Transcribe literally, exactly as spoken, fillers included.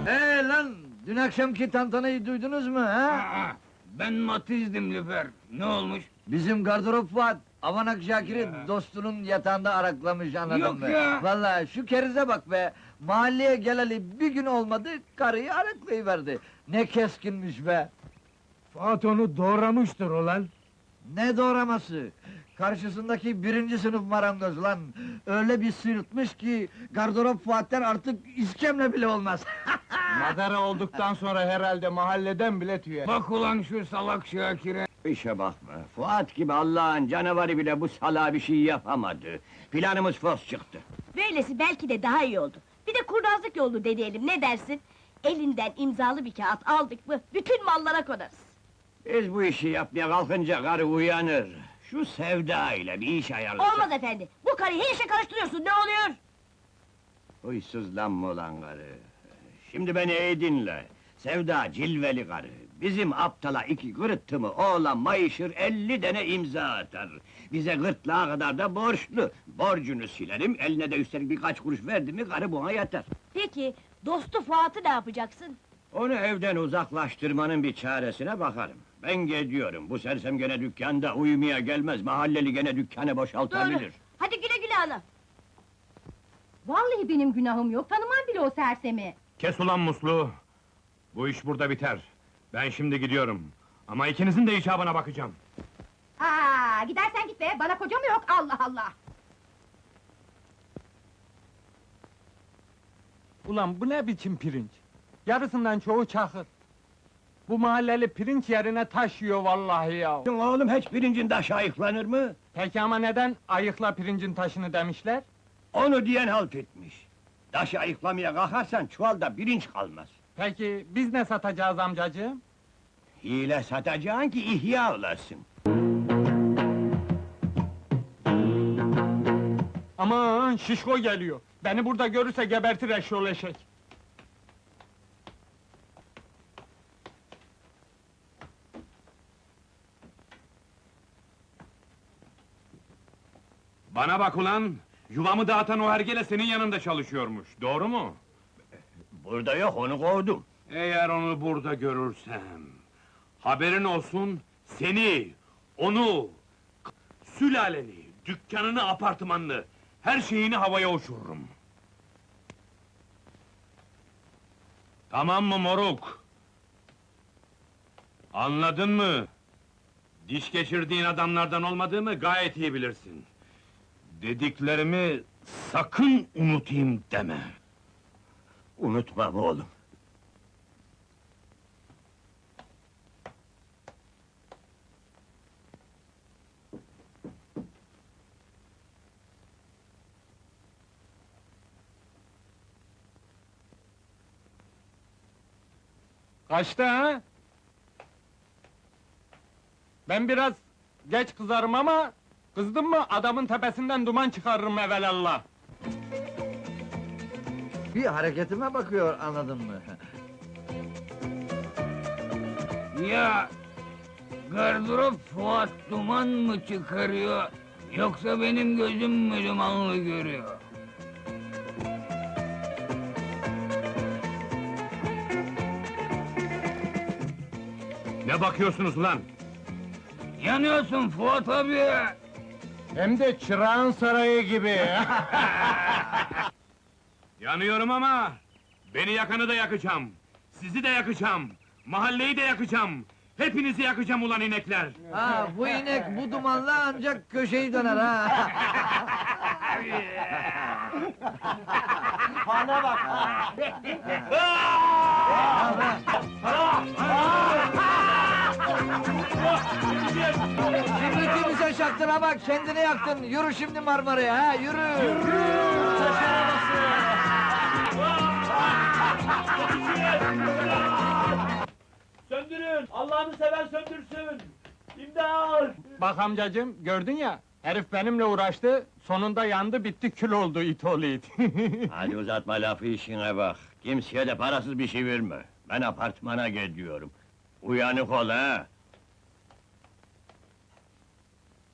Ee lan, dün akşamki tantanayı duydunuz mu ha? Aa, ben matizdim Lüfer. Ne olmuş? Bizim gardırop Fuat, Avanak Şakir'i dostunun yatağında araklamış, anladın Yok mı? ya! Vallahi şu kerize bak be! Mahalleye geleli bir gün olmadı, karıyı araklayıverdi. Ne keskinmiş be! Fuat onu doğramıştır ulan. Ne doğraması! Karşısındaki birinci sınıf marangoz lan! Öyle bir sıyırtmış ki, gardırop Fuat'tan artık iskemle bile olmaz! Madara olduktan sonra herhalde mahalleden bile tüyer. Bak ulan şu salak Şakir'e! İşe bakma, Fuat gibi Allah'ın canavarı bile bu salağa bir şey yapamadı. Planımız fos çıktı. Böylesi belki de daha iyi oldu. Bir de kurnazlık yolu deneyelim, ne dersin? Elinden imzalı bir kağıt aldık mı, bütün mallara konarız. Biz bu işi yapmaya kalkınca karı uyanır. Şu Sevda ile bir iş ayarlasak. Olmaz efendi, bu karıyı her işe karıştırıyorsun, ne oluyor? Huysuzlanma ulan karı. Şimdi beni iyi dinle. Sevda cilveli karı. Bizim aptala iki kırıttı mı oğlan mayışır elli tane imza atar. Bize gırtlağa kadar da borçlu. Borcunu silerim, eline de üstelik birkaç kuruş verdi mi karı buna yatar. Peki, dostu Fuat'ı ne yapacaksın? Onu evden uzaklaştırmanın bir çaresine bakarım. Ben gidiyorum, bu sersem gene dükkanda uyumaya gelmez, mahalleli gene dükkanı boşaltabilir. Doğru, hadi güle güle ana! Vallahi benim günahım yok, tanımam bile o sersemi. Kes ulan musluğu! Bu iş burada biter. Ben şimdi gidiyorum. Ama ikinizin de icabına bakacağım. Aa, gidersen git be, bana koca mı yok, Allah Allah! Ulan bu ne biçim pirinç? Yarısından çoğu çakır. Bu mahalleli pirinç yerine taş yiyor vallahi ya. Oğlum hiç pirincin taşı ayıklanır mı? Peki ama neden ayıkla pirincin taşını demişler? Onu diyen halt etmiş. Taşı ayıklamaya kalkarsan çuvalda pirinç kalmaz. Peki biz ne satacağız amcacığım? Hile satacaksın ki ihya olasın. Aman şişko geliyor. Beni burada görürse gebertir eşyol eşek. Bana bak ulan! Yuvamı dağıtan o hergele senin yanında çalışıyormuş, doğru mu? Burada yok, onu kovdum. Eğer onu burada görürsem... Haberin olsun, seni, onu... Sülaleni, dükkanını, apartmanını... Her şeyini havaya uçururum. Tamam mı moruk? Anladın mı? Diş geçirdiğin adamlardan olmadığımı gayet iyi bilirsin. Dediklerimi sakın unutayım deme. Unutmam oğlum. Kaçta ha? Ben biraz geç kızarım ama... Kızdım mı adamın tepesinden duman çıkarırım evelallah. Bir hareketime bakıyor, anladın mı? Ya... Gardırop Fuat duman mı çıkarıyor? Yoksa benim gözüm mü dumanlı görüyor? Ne bakıyorsunuz lan? Yanıyorsun Fuat abi! Hem de çırağın sarayı gibi. Yanıyorum ama... Beni yakanı da yakacağım! Sizi de yakacağım! Mahalleyi de yakacağım! Hepinizi yakacağım ulan inekler! Ha, bu inek bu dumanla ancak köşeyi döner ha! Bana bak! Şimdi bize çaktın ha bak, kendini yaktın! Yürü şimdi Marmara'ya ha, yürü! Yürü! Söndürün! Allah'ını seven söndürsün! İmdat! Bak amcacığım, gördün ya, herif benimle uğraştı, sonunda yandı, bitti, kül oldu it oğlu it. Hadi uzatma lafı, işine bak. Kimseye de parasız bir şey verme. Ben apartmana gidiyorum. Uyanık ol ha!